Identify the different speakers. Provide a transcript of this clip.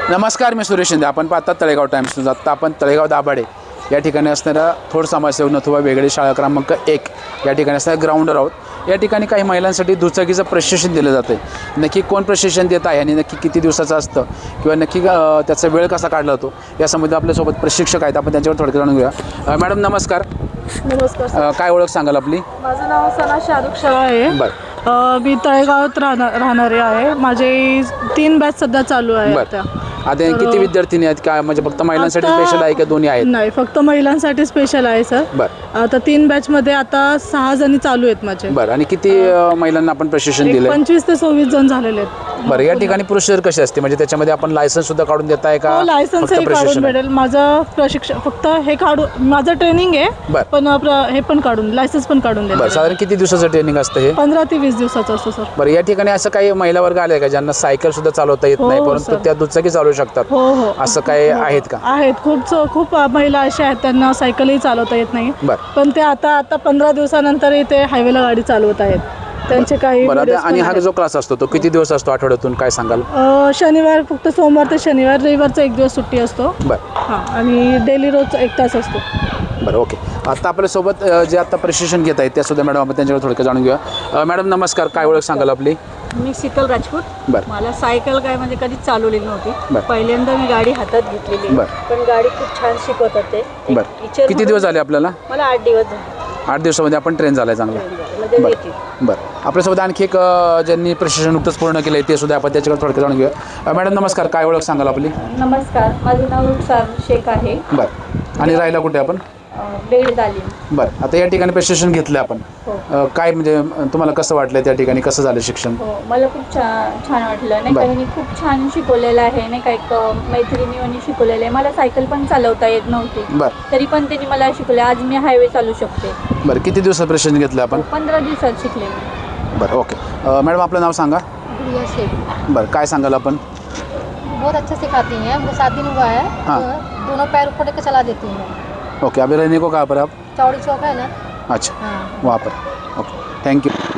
Speaker 1: नमस्कार, मी सुरेश शिंदे. आपण पाहतात तळेगाव टाइम्स न्यूज. आत्ता आपण तळेगाव दाभाडे या ठिकाणी असणारा थोड समाजसेवक नथुबा वेगळे शाळा क्रमांक 1 या ठिकाणी असणाऱ्या ग्राउंडवर आहोत. या ठिकाणी काही महिलांसाठी दुचाकीचं प्रशिक्षण दिलं जातं आहे. नक्की कोण प्रशिक्षण देत आहे आणि नक्की किती दिवसाचं असतं किंवा नक्की त्याचा वेळ कसा काढला जातो या संबंधी आपल्यासोबत प्रशिक्षक आहेत. आपण त्यांच्यावर थोडक्यात जाणून घेऊया. मॅडम नमस्कार.
Speaker 2: नमस्कार.
Speaker 1: काय ओळख सांगाल आपली?
Speaker 2: माझं नाव सना शाहरुख शाह आहे.
Speaker 1: बरं.
Speaker 2: मी तळेगावात राहणारे आहे. माझे 3 बॅच सध्या चालू आहे.
Speaker 1: आता किती विद्यार्थिनी आहेत? काय म्हणजे फक्त महिलांसाठी स्पेशल आहे का दोन्ही आहेत?
Speaker 2: नाही, फक्त महिलांसाठी स्पेशल आहे सर.
Speaker 1: बरं.
Speaker 2: आता 3 बॅचमध्ये आता 6 जणी चालू आहेत माझे.
Speaker 1: बरं. आणि किती महिलांना आपण प्रशिक्षण दिलं?
Speaker 2: 25 ते 26 जण झालेले आहेत.
Speaker 1: बरं. या ठिकाणी प्रोसिजर कशी असते? म्हणजे त्याच्यामध्ये आपण लायसन्स सुद्धा काढून देत आहे का?
Speaker 2: लायसन्स काढून भेटेल. माझं प्रशिक्षण फक्त हे काढून माझं ट्रेनिंग आहे. पण हे पण काढून लायसन्स पण काढून देईल.
Speaker 1: बरं. साधारण किती दिवसाचं ट्रेनिंग असतं हे?
Speaker 2: 15 ते 20 दिवसाचं असतं सर.
Speaker 1: बरं. या ठिकाणी असं काही महिला वर्ग आले का ज्यांना सायकल सुद्धा चालवता येत नाही परंतु त्या दुचाकी चालवू शकतात?
Speaker 2: हो हो.
Speaker 1: असं काही आहेत का?
Speaker 2: आहेत. खूप महिला अशा आहेत त्यांना सायकलही चालवता येत नाही.
Speaker 1: बरं.
Speaker 2: पण ते आता 15 दिवसानंतर ते हायवेला गाडी चालवत आहेत. त्यांचे काही
Speaker 1: आणि हा जो क्लास असतो तो किती दिवस असतो आठवड्यातून, काय सांगाल?
Speaker 2: शनिवार, फक्त सोमवार ते शनिवार. रविवारचा 1 दिवस सुट्टी असतो.
Speaker 1: बरं.
Speaker 2: हां. आणि डेली रोज 1 तास असतो.
Speaker 1: बरं. ओके. आता आपल्यासोबत जे आता प्रशिक्षण घेत आहेत त्यासुद्धा मॅडम आपण त्यांच्यावर थोडक्यात जाणून घेऊया. मॅडम नमस्कार. काय ओळख सांगाल आपली?
Speaker 3: मी शीतल राजपूत.
Speaker 1: बरं.
Speaker 3: मला सायकल काय म्हणजे कधीच चालवलेली नव्हती.
Speaker 1: बरं.
Speaker 3: पहिल्यांदा मी गाडी हातात घेतलेली.
Speaker 1: बरं.
Speaker 3: पण गाडी खूप छान शिकवतात ते.
Speaker 1: बरं. किती दिवस झाले आपल्याला?
Speaker 3: मला 8 दिवस झाले.
Speaker 1: 8 दिवसामध्ये आपण ट्रेन झालाय चांगला. बरं. आपल्यासोबत आणखी एक ज्यांनी प्रशिक्षण नुकतंच पूर्ण केलं आहे ते सुद्धा आपण त्याच्याकडे थोडक्यात जाणून घेऊया. मॅडम नमस्कार. काय ओळख सांगाल आपली?
Speaker 3: नमस्कार, माझं नाव रुखसार शेख आहे.
Speaker 1: बरं. आणि राहिला कुठे आपण?
Speaker 3: बेड दालीम.
Speaker 1: बरं. आता या ठिकाणी प्रशिक्षण घेतलं आपण. काय म्हणजे तुम्हाला कसं वाटलं त्या ठिकाणी, कसं झालं शिक्षण?
Speaker 3: हो, मला खूप छान वाटलं. नाही काही खूप छान शिकवलेलं आहे. नाही काही मैत्रिणींनी शिकवलेलं आहे. मला सायकल पण चालवता येत नव्हती.
Speaker 1: बरं.
Speaker 3: तरी पण त्यांनी मला शिकवलं. आज मी हायवे चालू शकते.
Speaker 1: बरं. किती दिवसात प्रशिक्षण घेतलं आपण?
Speaker 3: 15 दिवसात शिकले मी.
Speaker 1: बरं. ओके. मॅडम आपलं नाव सांगा.
Speaker 4: गुड़िया शेख।
Speaker 1: बरं. काय सांगाल आपण?
Speaker 4: बहुत अच्छा सिखाती हैं। हमको 7 दिन हुआ है।
Speaker 1: हाँ।
Speaker 4: दोनों पैर ऊपर लेकर चला देती हैं।
Speaker 1: ओके. अभी रहने को कहाँ पर आप?
Speaker 4: चौड़ी चौक है ना।
Speaker 1: अच्छा.
Speaker 4: हाँ।
Speaker 1: वहाँ पर. ओके. Thank you.